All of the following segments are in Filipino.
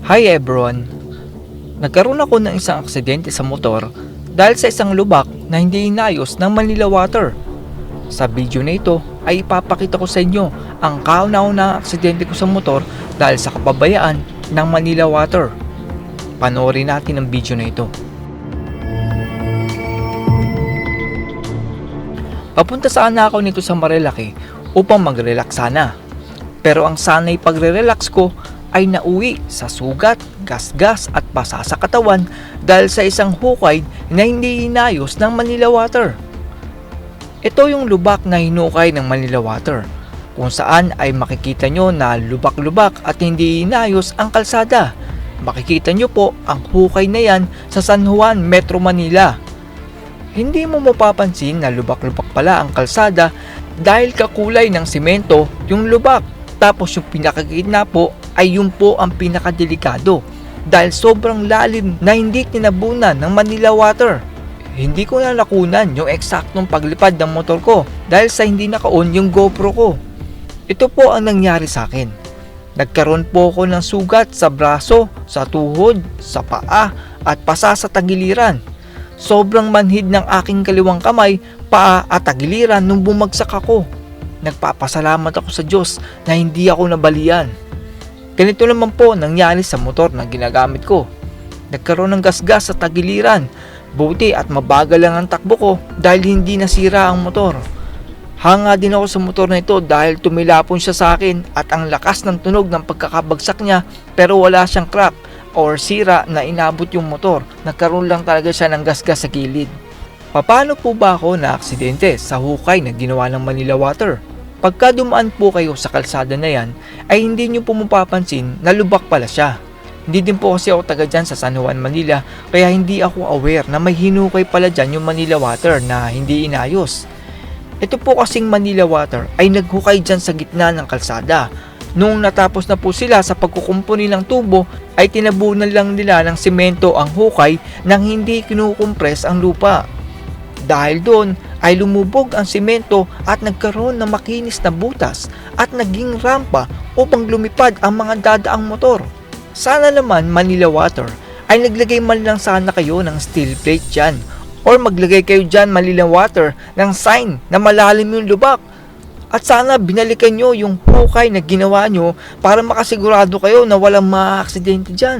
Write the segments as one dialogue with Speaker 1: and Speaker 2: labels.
Speaker 1: Hi everyone! Nagkaroon ako ng isang aksidente sa motor dahil sa isang lubak na hindi inayos ng Manila Water. Sa video na ito ay ipapakita ko sa inyo ang kauna-unahang aksidente ko sa motor dahil sa kapabayaan ng Manila Water. Panoorin natin ang video na ito. Papunta sana ako nito sa Marilaki upang mag-relax sana. Pero ang sanay pagre-relax ko ay nauwi sa sugat, gasgas at basa sa katawan dahil sa isang hukay na hindi inayos ng Manila Water. Ito yung lubak na hinukay ng Manila Water, kung saan ay makikita nyo na lubak-lubak at hindi inayos ang kalsada. Makikita nyo po ang hukay na yan sa San Juan, Metro Manila. Hindi mo mapapansin na lubak-lubak pala ang kalsada dahil kakulay ng simento yung lubak. Tapos yung pinakagitna po ay yun po ang pinakadelikado dahil sobrang lalim na hindi tinabunan ng Manila Water. Hindi ko na nakunan yung eksaktong paglipad ng motor ko dahil sa hindi naka-on yung GoPro ko. Ito po ang nangyari sa akin. Nagkaroon po ako ng sugat sa braso, sa tuhod, sa paa at pasa sa tagiliran. Sobrang manhid ng aking kaliwang kamay, paa at tagiliran nung bumagsak ako. Nagpapasalamat ako sa Diyos na hindi ako nabalian. Ganito naman po nangyari sa motor na ginagamit ko. Nagkaroon ng gasgas sa tagiliran. Buti at mabagal lang ang takbo ko dahil hindi nasira ang motor. Hanga din ako sa motor na ito dahil tumilapon siya sa akin at ang lakas ng tunog ng pagkakabagsak niya pero wala siyang crack or sira na inabot yung motor. Nagkaroon lang talaga siya ng gasgas sa gilid. Paano po ba ako na aksidente sa hukay na ginawa ng Manila Water? Pagka dumaan po kayo sa kalsada na yan, ay hindi nyo po mapapansin na lubak pala siya. Hindi din po kasi ako taga dyan sa San Juan, Manila, kaya hindi ako aware na may hinukay pala dyan yung Manila Water na hindi inayos. Ito po kasing Manila Water ay naghukay dyan sa gitna ng kalsada. Nung natapos na po sila sa pagkukumpuni ng tubo, ay tinabunan lang nila ng simento ang hukay nang hindi kinukumpres ang lupa. Dahil doon ay lumubog ang simento at nagkaroon ng makinis na butas at naging rampa upang lumipad ang mga dadaang motor. Sana naman Manila Water ay naglagay man lang sana kayo ng steel plate dyan or maglagay kayo dyan Manila Water ng sign na malalim yung lubak. At sana binalikan nyo yung hukay na ginawa nyo para makasigurado kayo na walang maaaksidente dyan.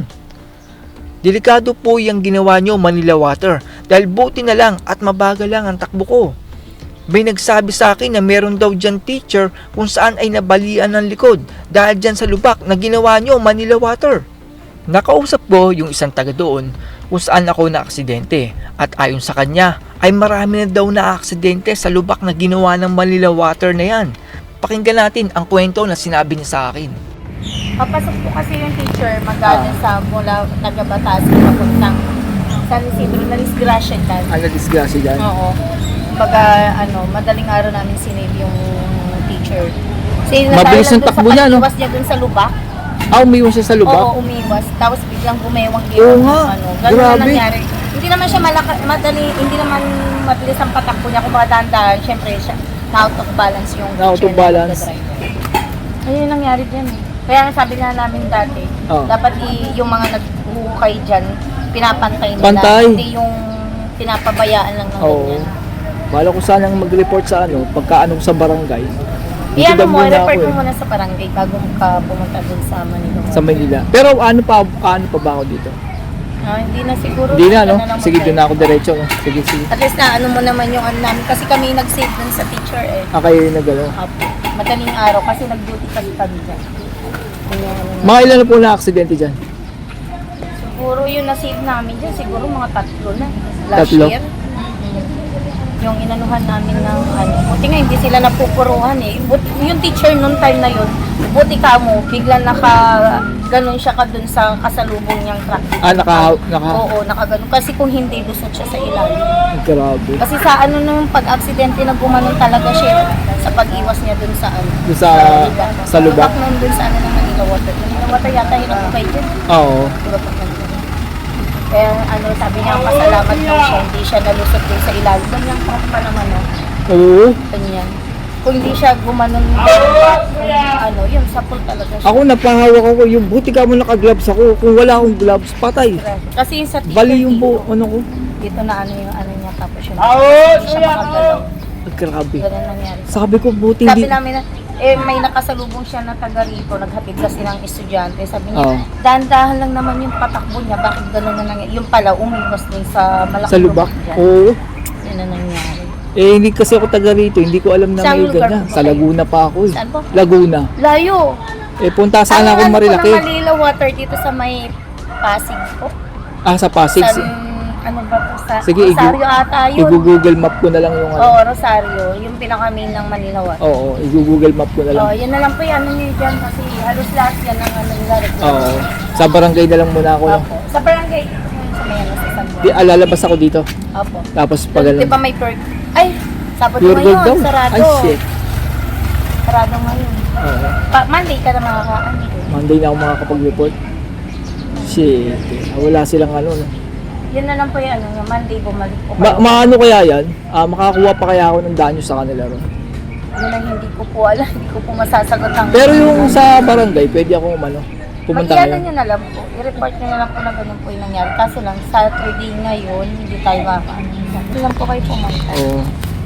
Speaker 1: Delikado po yung ginawa nyo Manila Water dahil buti na lang at mabagal lang ang takbo ko. May nagsabi sa akin na meron daw dyan teacher kung saan ay nabalian ng likod dahil dyan sa lubak na ginawa nyo Manila Water. Nakausap ko yung isang taga doon kung saan ako na aksidente at ayon sa kanya ay marami na daw na aksidente sa lubak na ginawa ng Manila Water na yan. Pakinggan natin ang kwento na sinabi niya sa akin.
Speaker 2: Papasok po kasi yung teacher magaling sa mula taga-Batas papuntang San Isidro na disgrasya dyan.
Speaker 1: Disgrasya dyan?
Speaker 2: Oo. Kumbaga, madaling araw namin sinave yung teacher. Kasi
Speaker 1: Mabilis ang takbo niya, no?
Speaker 2: Umiwas niya dun sa lubak.
Speaker 1: Umiwas siya sa lubak?
Speaker 2: Oo, umiwas. Tapos biglang bumewang
Speaker 1: Oo
Speaker 2: yun.
Speaker 1: nga.
Speaker 2: Ganun
Speaker 1: Grabe.
Speaker 2: na nangyari. Hindi naman siya hindi naman mabilis ang patakbo niya. Kung baka dahan-dahan, syempre siya, na-out of balance yung
Speaker 1: Na-out of
Speaker 2: teacher
Speaker 1: balance.
Speaker 2: na nagdadrive. Ayun yung nangyari dyan eh. Kaya sabi nga namin dati, dapat yung mga naghuhukay dyan, pinapantay nila.
Speaker 1: Pantay.
Speaker 2: Hindi yung pinapabayaan lang ng ganyan.
Speaker 1: Bala ko sanang mag-report sa pagka sa barangay.
Speaker 2: Iyan mo, report mo muna sa barangay bago ka pumunta dun sa Manila.
Speaker 1: Sa Manila. Pero ano pa ba ako dito?
Speaker 2: Hindi na siguro.
Speaker 1: Hindi na, no?
Speaker 2: lang
Speaker 1: Sige,
Speaker 2: tayo.
Speaker 1: doon na ako diretso. Sige.
Speaker 2: At least na mo naman yung namin. Kasi kami nag-save dun sa teacher eh.
Speaker 1: Kayo nagano.
Speaker 2: Madaling araw kasi nag-duty kami dyan.
Speaker 1: Mga ilan na po na aksidente dyan?
Speaker 2: Siguro yung na-save namin dyan, siguro mga 3 na. Last
Speaker 1: Tatlo?
Speaker 2: year. Yung inanuhan namin ng buti nga hindi sila napupuruhan eh. Yung teacher nung time na yun, buti ka mo, biglang ganun siya ka dun sa kasalubong niyang truck. Oo, nakaganon. Kasi kung hindi, lusot siya sa ilalim.
Speaker 1: Grabe.
Speaker 2: Kasi sa nung pag-aksidente na gumanon talaga siya sa pag-iwas niya dun sa
Speaker 1: Sa lubak.
Speaker 2: Nun dun sa ng Manila Water. Manila Water yata hinukay dyan.
Speaker 1: Oo.
Speaker 2: Diba pag nandun? Kaya sabi niya, pasalamat lang siya, hindi siya nalusot din sa ilalim. Ganyang truck pa naman
Speaker 1: Oo.
Speaker 2: Ganyan. kung hindi siya gumanon, ano, yun, sapul talaga siya.
Speaker 1: Ako napahawak ako, yung buti ka mo naka-gloves ako. Kung wala akong gloves, patay.
Speaker 2: Kasi yung sa teacher
Speaker 1: Bali yung
Speaker 2: dito,
Speaker 1: ano ko.
Speaker 2: dito na ano yung ano niya, tapos yun, hindi siya makagalaw.
Speaker 1: Grabe.
Speaker 2: Ganun nangyari.
Speaker 1: Sabi ko, buti
Speaker 2: Sabi
Speaker 1: hindi.
Speaker 2: namin na, may nakasalubong siya na taga rito, naghatid kasi ng estudyante. Sabi niya,
Speaker 1: Oo.
Speaker 2: dahan-dahan lang naman yung patakbo niya, bakit gano'n na nangyari? Yung pala, umigos din sa malaking
Speaker 1: Sa lubak?
Speaker 2: dyan.
Speaker 1: Oo.
Speaker 2: Yun na nangyari.
Speaker 1: Hindi kasi ako taga rito. Hindi ko alam na
Speaker 2: Saan
Speaker 1: may
Speaker 2: lugar
Speaker 1: ganyan.
Speaker 2: po ba
Speaker 1: Sa
Speaker 2: kayo?
Speaker 1: Laguna pa ako eh.
Speaker 2: Saan po?
Speaker 1: Laguna.
Speaker 2: Layo.
Speaker 1: Punta sana akong Marilaki.
Speaker 2: Ano Manila Water dito sa may Pasig po?
Speaker 1: Sa Pasig.
Speaker 2: Ano ba po? Sa
Speaker 1: Sige,
Speaker 2: Rosario ata yun.
Speaker 1: I-google map ko na lang yung ano.
Speaker 2: Oo, Rosario. Yung pinaka-main ng Manila Water.
Speaker 1: Oo, i-google map ko na lang.
Speaker 2: Oo, yun na lang po yung ano niyo dyan kasi halos lahat yan ang ano nila.
Speaker 1: Oo. Sa barangay na lang muna ako. No?
Speaker 2: Opo. Sa barangay, yun sa may ano sa San Juan.
Speaker 1: Di, lalabas ako dito.
Speaker 2: Opo.
Speaker 1: Tapos pag ano.
Speaker 2: Di ba may tour? Ay, Sabado
Speaker 1: Pure gold daw.
Speaker 2: ngayon, sarado.
Speaker 1: Ay, shit.
Speaker 2: Sarado ngayon.
Speaker 1: Oo.
Speaker 2: Monday ka na makakaano.
Speaker 1: Monday na ako makakapag-report. Shit. Wala silang ano. No?
Speaker 2: Yun na lang po yung ano, yung Monday bumalik po.
Speaker 1: Maano kaya yan? Makakuha pa kaya ako ng danyo sa kanila ron?
Speaker 2: Yun ang hindi ko po alam, hindi ko po masasagot ang...
Speaker 1: Pero yung sa barangay, pwede ako pumunta
Speaker 2: Mag-iano
Speaker 1: ngayon.
Speaker 2: nyo na lang po, i-report nyo na lang po na ganun po yung nangyari. Kaso lang, Saturday ngayon, hindi tayo makakaano. Hindi lang po kayo pumunta.
Speaker 1: Oo.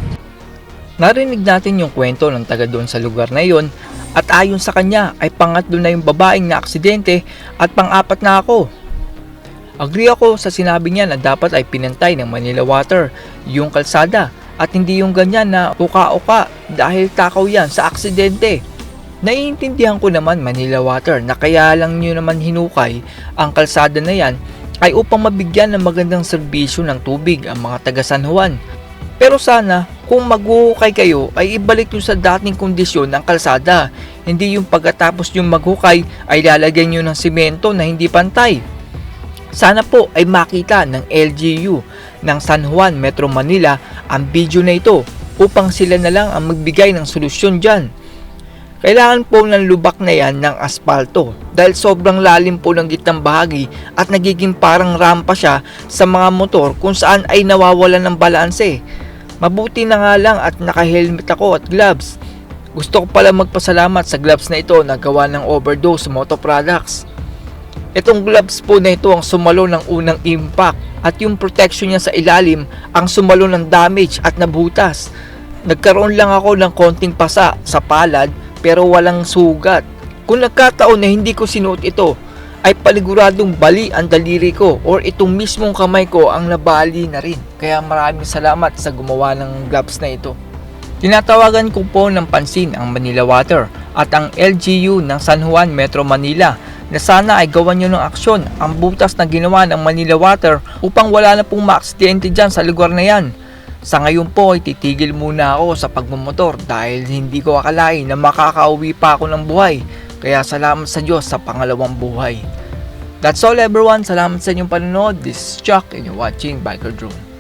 Speaker 1: Narinig natin yung kwento ng taga doon sa lugar na yon at ayon sa kanya ay pangatlo na yung babaeng na aksidente at pang-apat na ako. Agree ako sa sinabi niya na dapat ay pinantay ng Manila Water yung kalsada at hindi yung ganyan na uka-uka dahil takaw yan sa aksidente. Naiintindihan ko naman Manila Water na kaya lang nyo naman hinukay ang kalsada na yan ay upang mabigyan ng magandang serbisyo ng tubig ang mga taga San Juan. Pero sana kung maghuhukay kayo ay ibalik nyo sa dating kondisyon ng kalsada. Hindi yung pagkatapos yung maghukay ay lalagyan nyo ng simento na hindi pantay. Sana po ay makita ng LGU ng San Juan, Metro Manila ang video na ito upang sila na lang ang magbigay ng solusyon dyan. Kailangan po ng lubak na yan ng aspalto dahil sobrang lalim po ng gitnang bahagi at nagiging parang rampa siya sa mga motor kung saan ay nawawalan ng balanse. Mabuti na nga lang at naka-helmet ako at gloves. Gusto ko pala magpasalamat sa gloves na ito na gawa ng Overdose Moto Products. Itong gloves po na ito ang sumalo ng unang impact at yung protection niya sa ilalim ang sumalo ng damage at nabutas. Nagkaroon lang ako ng konting pasa sa palad pero walang sugat. Kung nagkataon na hindi ko sinuot ito, ay paliguradong bali ang daliri ko or itong mismong kamay ko ang nabali na rin. Kaya maraming salamat sa gumawa ng gloves na ito. Tinatawagan ko po ng pansin ang Manila Water at ang LGU ng San Juan, Metro Manila na sana ay gawan nyo ng aksyon ang butas na ginawa ng Manila Water upang wala na pong maaksidente dyan sa lugar na yan. Sa ngayon po ay titigil muna ako sa pagmumotor dahil hindi ko akalain na makakauwi pa ako ng buhay. Kaya salamat sa Diyos sa pangalawang buhay. That's all everyone. Salamat sa inyong panonood. This is Chuck and you're watching Biker Drone.